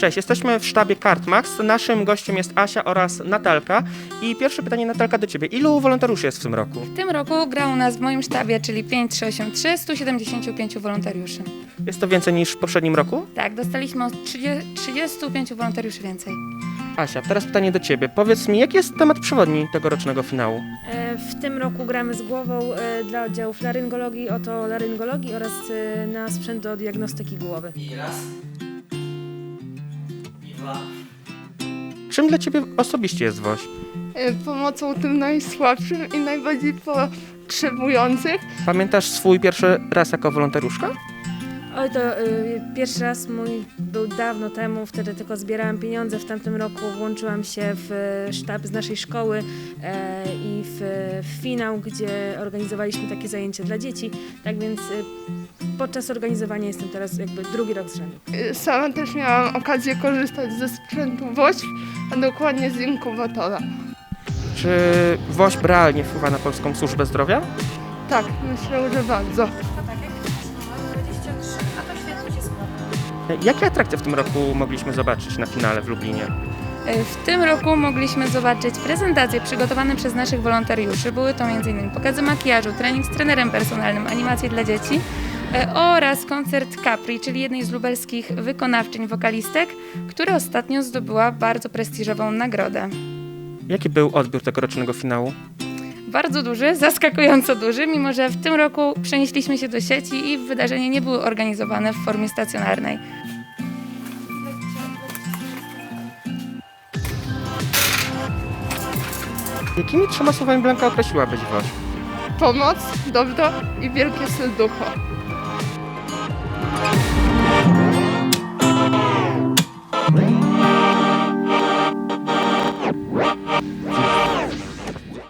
Cześć, jesteśmy w sztabie Kartmax. Naszym gościem jest Asia oraz Natalka. I pierwsze pytanie, Natalka, do Ciebie. Ilu wolontariuszy jest w tym roku? W tym roku gra u nas w moim sztabie, czyli 5383, 175 wolontariuszy. Jest to więcej niż w poprzednim roku? Tak, dostaliśmy od 35 wolontariuszy więcej. Asia, teraz pytanie do Ciebie. Powiedz mi, jaki jest temat przewodni tegorocznego finału? W tym roku gramy z głową dla oddziałów laryngologii, otolaryngologii oraz na sprzęt do diagnostyki głowy. I raz. I dwa. Czym dla Ciebie osobiście jest WOŚ? Pomocą tym najsłabszym i najbardziej potrzebujących. Pamiętasz swój pierwszy raz jako wolontariuszka? Oj, to pierwszy raz mój był dawno temu, wtedy tylko zbierałam pieniądze. W tamtym roku włączyłam się w sztab z naszej szkoły i w finał, gdzie organizowaliśmy takie zajęcia dla dzieci. Tak więc podczas organizowania jestem teraz jakby drugi rok z rzędu. Sama też miałam okazję korzystać ze sprzętu WOŚP, a dokładnie z inkubatora. Czy WOŚP realnie wpływa na polską służbę zdrowia? Tak, myślę, że bardzo. Jakie atrakcje w tym roku mogliśmy zobaczyć na finale w Lublinie? W tym roku mogliśmy zobaczyć prezentacje przygotowane przez naszych wolontariuszy. Były to m.in. pokazy makijażu, trening z trenerem personalnym, animacje dla dzieci oraz koncert Capri, czyli jednej z lubelskich wykonawczyń wokalistek, która ostatnio zdobyła bardzo prestiżową nagrodę. Jaki był odbiór tegorocznego finału? Bardzo duży, zaskakująco duży, mimo że w tym roku przenieśliśmy się do sieci i wydarzenia nie były organizowane w formie stacjonarnej. Jakimi trzema słowami Blanka określiłabyś WOŚP? Pomoc, dobro i wielkie serducho.